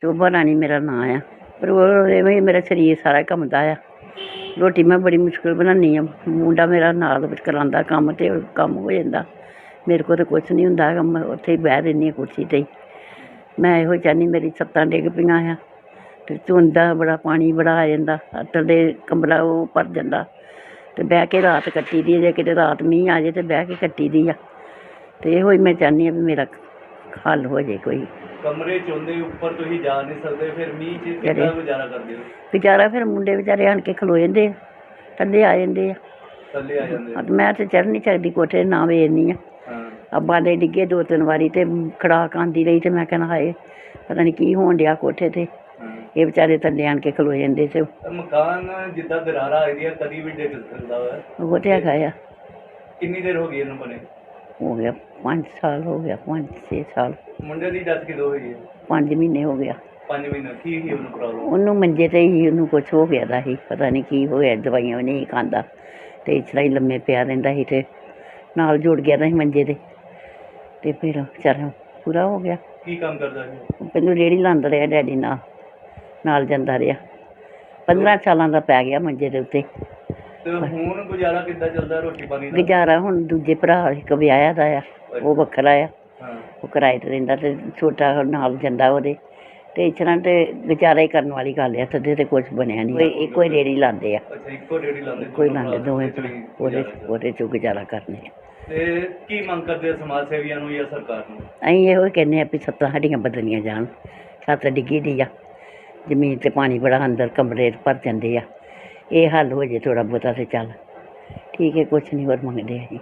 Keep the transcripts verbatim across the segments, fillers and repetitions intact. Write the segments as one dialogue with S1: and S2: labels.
S1: ਸ਼ੋਭਾ ਰਾਣੀ ਮੇਰਾ ਨਾਂ ਆ। ਪਰ ਉਹ ਇਵੇਂ ਹੀ ਮੇਰਾ ਸਰੀਰ ਸਾਰਾ ਕੰਮਦਾ ਆ। ਰੋਟੀ ਮੈਂ ਬੜੀ ਮੁਸ਼ਕਿਲ ਬਣਾਉਂਦੀ ਹਾਂ। ਮੁੰਡਾ ਮੇਰਾ ਨਾਲ ਵਿੱਚ ਕਰਾਉਂਦਾ ਕੰਮ ਅਤੇ ਕੰਮ ਹੋ ਜਾਂਦਾ। ਮੇਰੇ ਕੋਲ ਤਾਂ ਕੁਛ ਨਹੀਂ ਹੁੰਦਾ ਹੈਗਾ। ਮੈਂ ਉੱਥੇ ਹੀ ਬਹਿ ਰਹਿੰਦੀ ਹਾਂ ਕੁਰਸੀ 'ਤੇ ਹੀ। ਮੈਂ ਇਹੋ ਚਾਹੁੰਦੀ ਮੇਰੀ ਛੱਤਾਂ ਡਿੱਗ ਪਈਆਂ ਆ ਅਤੇ ਧੁੰਦਾ ਬੜਾ ਪਾਣੀ ਬੜਾ ਆ ਜਾਂਦਾ। ਥੱਲੇ ਕਮਰਾ ਉਹ ਭਰ ਜਾਂਦਾ ਅਤੇ ਬਹਿ ਕੇ ਰਾਤ ਕੱਟੀ ਦੀ। ਜੇ ਕਿਤੇ ਰਾਤ ਮੀਂਹ ਆ ਜਾਏ ਤਾਂ ਬਹਿ ਕੇ ਕੱਟੀ ਦੀ ਆ। ਅਤੇ ਇਹੋ ਹੀ ਮੈਂ ਚਾਹੁੰਦੀ ਹਾਂ ਵੀ ਮੇਰਾ ਹੱਲ ਹੋ ਜਾਏ ਕੋਈ।
S2: ਕਮਰੇ 'ਚ ਹੁੰਦੇ ਉੱਪਰ ਤੁਸੀਂ ਜਾ ਨਹੀਂ ਸਕਦੇ, ਫਿਰ ਮੀਂਹ 'ਚ ਕਿੱਦਾਂ ਗੁਜ਼ਾਰਾ ਕਰਦੇ ਹੋ?
S1: ਗੁਜ਼ਾਰਾ ਫਿਰ ਮੁੰਡੇ ਵਿਚਾਰੇ ਆਣ ਕੇ ਖਲੋ ਜਾਂਦੇ ਆ, ਥੱਲੇ ਆ ਜਾਂਦੇ ਆ।
S2: ਥੱਲੇ ਆ ਜਾਂਦੇ ਆ।
S1: ਮੈਂ ਤਾਂ ਚੜ੍ਹ ਨਹੀਂ ਸਕਦੀ ਕੋਠੇ, ਨਾ ਵੇਖਦੀ ਹਾਂ। ਅੱਬਾ ਦੇ ਡਿੱਗੇ ਦੋ ਤਿੰਨ ਵਾਰੀ ਅਤੇ ਖੜਾਕ ਆਉਂਦੀ ਰਹੀ ਅਤੇ ਮੈਂ ਕਹਿਣਾ ਹਾਏ ਪਤਾ ਨਹੀਂ ਕੀ ਹੋਣ ਡਿਆ ਕੋਠੇ 'ਤੇ। ਇਹ ਵਿਚਾਰੇ ਥੱਲੇ ਆਣ ਕੇ ਖਲੋ ਜਾਂਦੇ ਸੀ।
S2: ਮਕਾਨ ਜਿੱਦਾਂ ਦਰਾਰਾਂ ਆਈ ਦੀਆਂ ਕਦੀ ਵੀ ਡਿੱਗ ਸਕਦਾ ਵਾ।
S1: ਉਹ ਤਾਂ ਹੈਗਾ ਆ।
S2: ਕਿੰਨੀ ਦੇਰ ਹੋ ਗਈ ਇਹਨੂੰ ਬਣੇ?
S1: ਹੋ ਗਿਆ ਪੰਜ ਸਾਲ ਹੋ ਗਿਆ, ਪੰਜ ਛੇ ਸਾਲ।
S2: ਮੁੰਡੇ ਦੀ ਡੈਥ ਕਦੋਂ ਹੋਈ ਹੈ? ਪੰਜ
S1: ਮਹੀਨੇ ਹੋ ਗਿਆ।
S2: ਪੰਜ ਮਹੀਨੇ ਕੀ ਸੀ ਉਹਨੂੰ ਪ੍ਰੋਬਲਮ?
S1: ਉਹਨੂੰ ਮੰਜੇ 'ਤੇ ਹੀ ਉਹਨੂੰ ਕੁਛ ਹੋ ਗਿਆ ਦਾ ਸੀ, ਪਤਾ ਨਹੀਂ ਕੀ ਹੋਇਆ। ਦਵਾਈਆਂ ਵੀ ਨਹੀਂ ਖਾਂਦਾ ਅਤੇ ਇਸ ਤਰ੍ਹਾਂ ਹੀ ਲੰਮੇ ਪਿਆ ਰਹਿੰਦਾ ਸੀ ਅਤੇ ਨਾਲ ਜੁੜ ਗਿਆ ਦਾ ਸੀ ਮੰਜੇ 'ਤੇ ਅਤੇ ਫਿਰ ਵਿਚਾਰਾ ਪੂਰਾ ਹੋ ਗਿਆ।
S2: ਕੀ ਕੰਮ ਕਰਦਾ ਸੀ?
S1: ਪਹਿਲਾਂ ਰੇਹੜੀ ਲਾਉਂਦਾ ਰਿਹਾ ਡੈਡੀ ਨਾਲ ਨਾਲ ਜਾਂਦਾ ਰਿਹਾ। ਪੰਦਰਾਂ ਸਾਲਾਂ ਦਾ ਪੈ ਗਿਆ ਮੰਜੇ ਦੇ ਉੱਤੇ।
S2: ਤੇ ਹੁਣ ਗੁਜ਼ਾਰਾ ਕਿੱਦਾਂ ਚੱਲਦਾ ਰੋਟੀ ਪਾਣੀ ਦਾ?
S1: ਗੁਜ਼ਾਰਾ ਹੁਣ ਦੂਜੇ ਭਰਾ ਇੱਕ ਵਿਆਹਿਆ ਦਾ ਆ, ਉਹ ਵੱਖਰਾ ਆ।
S2: ਹਾਂ। ਉਹ
S1: ਕਿਰਾਏ 'ਤੇ ਰਹਿੰਦਾ ਅਤੇ ਛੋਟਾ ਨਾਲ ਜਾਂਦਾ ਉਹਦੇ। ਅਤੇ ਇਸ ਤਰ੍ਹਾਂ ਤਾਂ ਗੁਜ਼ਾਰਾ ਹੀ ਕਰਨ ਵਾਲੀ ਗੱਲ ਆ। ਥੱਲੇ ਤਾਂ ਕੁਛ ਬਣਿਆ ਨਹੀਂ। ਇੱਕੋ ਹੀ ਰੇਹੜੀ ਲਾਉਂਦੇ ਆ।
S2: ਅੱਛਾ, ਇੱਕੋ ਰੇਹੜੀ ਲਾਉਂਦੇ?
S1: ਇੱਕੋ ਹੀ ਲਾਉਂਦੇ ਦੋਵੇਂ ਭਰਾ, ਉਹਦੇ ਉਹਦੇ 'ਚੋਂ ਗੁਜ਼ਾਰਾ ਕਰਨੇ ਆ।
S2: ਅਤੇ ਕੀ ਮੰਗ ਕਰਦੇ ਆ ਸਮਾਜ ਸੇਵੀਆਂ ਨੂੰ ਜਾਂ ਸਰਕਾਰ ਨੂੰ?
S1: ਅਸੀਂ ਇਹੋ ਹੀ ਕਹਿੰਦੇ ਹਾਂ ਵੀ ਛੱਤਾਂ ਸਾਡੀਆਂ ਬਦਲੀਆਂ ਜਾਣ। ਛੱਤ ਡਿੱਗੀ ਦੀ ਆ, ਜ਼ਮੀਨ 'ਤੇ ਪਾਣੀ ਬੜਾ ਅੰਦਰ ਕਮਰੇ ਭਰ ਜਾਂਦੇ ਆ। ਇਹ ਹੱਲ ਹੋ ਜੇ ਥੋੜ੍ਹਾ ਬਹੁਤਾ ਤਾਂ ਚੱਲ ਠੀਕ ਹੈ, ਕੁਛ ਨਹੀਂ ਹੋਰ ਮੰਗਦੇ ਅਸੀਂ।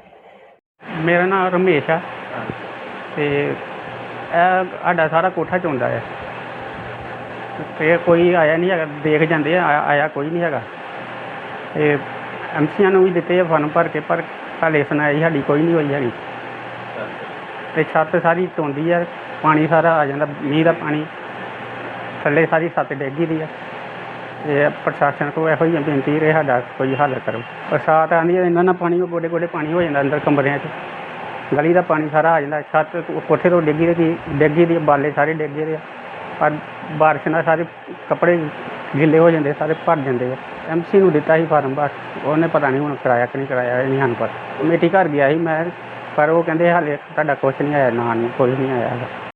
S3: ਮੇਰਾ ਨਾਮ ਰਮੇਸ਼ ਆ ਅਤੇ ਇਹ ਸਾਡਾ ਸਾਰਾ ਕੋਠਾ ਚੋਂਦਾ ਹੈ ਅਤੇ ਕੋਈ ਆਇਆ ਨਹੀਂ ਹੈਗਾ। ਦੇਖ ਜਾਂਦੇ ਆ, ਆਇਆ ਆਇਆ ਕੋਈ ਨਹੀਂ ਹੈਗਾ। ਅਤੇ ਐਮ ਸੀਆਂ ਨੂੰ ਵੀ ਦਿੱਤੇ ਆ ਫਾਰਮ ਭਰ ਕੇ, ਪਰ ਹਾਲੇ ਸੁਣਾਈ ਸਾਡੀ ਕੋਈ ਨਹੀਂ ਹੋਈ ਹੈਗੀ। ਅਤੇ ਛੱਤ ਸਾਰੀ ਚੋਂਦੀ ਆ, ਪਾਣੀ ਸਾਰਾ ਆ ਜਾਂਦਾ, ਮੀਂਹ ਦਾ ਪਾਣੀ ਥੱਲੇ ਸਾਰੀ ਛੱਤ ਡਿੱਗੀ ਦੀ ਆ। ਅਤੇ ਪ੍ਰਸ਼ਾਸਨ ਕੋਲ ਇਹੋ ਹੀ ਬੇਨਤੀ ਰਹੇ ਸਾਡਾ ਕੋਈ ਹੱਲ ਕਰੋ। ਬਰਸਾਤ ਆਉਂਦੀ ਹੈ ਇਹਨਾਂ ਨਾਲ ਪਾਣੀ ਗੋਡੇ ਗੋਡੇ ਪਾਣੀ ਹੋ ਜਾਂਦਾ ਅੰਦਰ ਕਮਰਿਆਂ 'ਚ। ਗਲੀ ਦਾ ਪਾਣੀ ਸਾਰਾ ਆ ਜਾਂਦਾ। ਛੱਤ ਕੋਠੇ ਤੋਂ ਡਿੱਗੀ ਦੀ ਡਿੱਗੀ ਦੀ ਬਾਲੇ ਸਾਰੇ ਡਿੱਗੇ ਦੇ ਆ। ਪਰ ਬਾਰਿਸ਼ ਨਾਲ ਸਾਰੇ ਕੱਪੜੇ ਗਿੱਲੇ ਹੋ ਜਾਂਦੇ, ਸਾਰੇ ਭਰ ਜਾਂਦੇ ਆ। ਐਮ ਸੀ ਨੂੰ ਦਿੱਤਾ ਸੀ ਫਾਰਮ, ਬਸ ਉਹਨੇ ਪਤਾ ਨਹੀਂ ਹੁਣ ਕਰਾਇਆ ਕਿ ਨਹੀਂ ਕਰਾਇਆ, ਇਹ ਨਹੀਂ ਸਾਨੂੰ ਪਤਾ। ਕਮੇਟੀ ਘਰ ਗਿਆ ਸੀ ਮੈਂ, ਪਰ ਉਹ ਕਹਿੰਦੇ ਹਾਲੇ ਤੁਹਾਡਾ ਕੁਛ ਨਹੀਂ ਆਇਆ, ਨਾ ਨਹੀਂ ਕੋਈ ਨਹੀਂ ਆਇਆ ਹੈਗਾ।